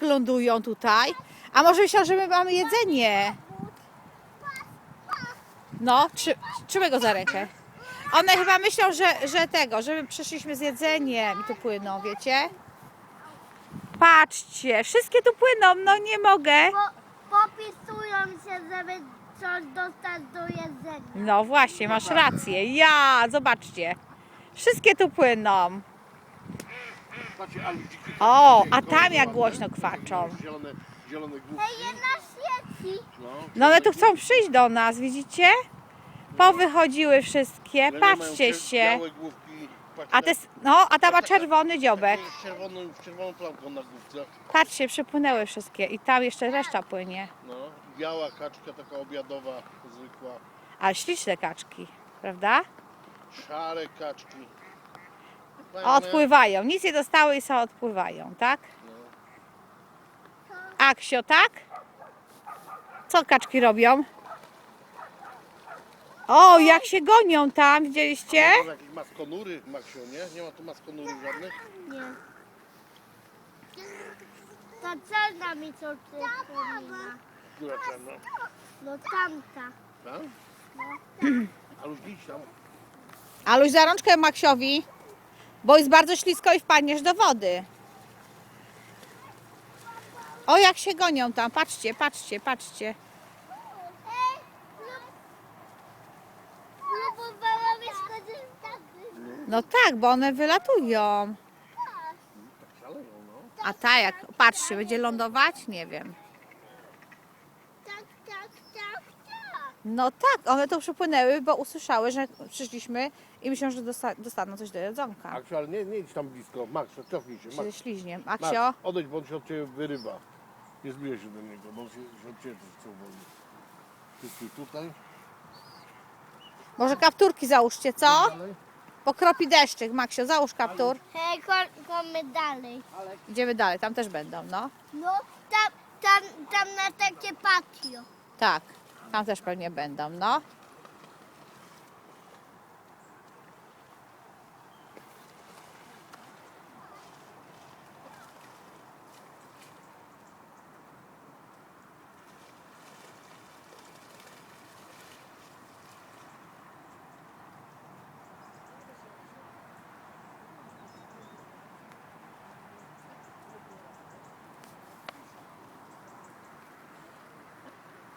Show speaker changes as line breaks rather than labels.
lądują tutaj. A może myślą, że my mamy jedzenie? No, trzymaj go za rękę. One chyba myślą, że my przyszliśmy z jedzeniem i tu płyną, wiecie? Patrzcie, wszystkie tu płyną, no nie mogę.
Popisują się, żeby coś dostać do jedzenia.
No właśnie, masz rację. Ja, zobaczcie. Wszystkie tu płyną.
Patrzcie, ale dziki
O,
takie
a tam jak
ładne.
głośno kwarczą.
Zielone główki.
Hej, jedna świeci.
No one tu chcą przyjść do nas, widzicie? Powychodziły wszystkie, patrzcie się.
Białe główki.
A ta ma czerwony dziobek.
Z czerwoną plamką na główce.
Patrzcie, przypłynęły wszystkie i tam jeszcze reszta płynie.
No, biała kaczka taka obiadowa, zwykła.
Ale śliczne kaczki, prawda?
Szare kaczki.
Odpływają, nic nie dostały i są odpływają, tak? Aksio, tak? Co kaczki robią? O, jak się gonią tam, widzieliście?
Są jakieś maskonury, Maksiu, nie? Nie ma tu maskonury żadnych?
Nie. Ta czarna mi coś przypomina.
Która czarna?
No tamta.
Tak? A już idź tam.
Aluś, za rączkę Maksiowi, bo jest bardzo ślisko i wpadniesz do wody. O, jak się gonią tam, patrzcie, patrzcie, patrzcie.
Próbowałam skorzystać.
No tak, bo one wylatują.
Tak szaleją, no.
A ta jak, patrzcie, będzie lądować? Nie wiem.
Tak.
No tak, one tu przypłynęły, bo usłyszały, że przyszliśmy i myślą, że dostaną coś do jedzonka.
Maksiu, ale nie idź tam blisko. Max, cofnij się.
Ze
Max,
śliźniem.
Max,
Aksio?
odejdź, bo on się od ciebie wyrywa. Nie zbliżaj się do niego, bo on się od ciebie też chce uwolnić. Ty stój tutaj.
Może kapturki załóżcie, co?
Dalej.
Pokropi deszczyk, Maksio, załóż kaptur.
Hej, chodźmy dalej.
Idziemy dalej, tam też będą, no.
No, tam na takie patio.
Tak, tam też pewnie będą, no.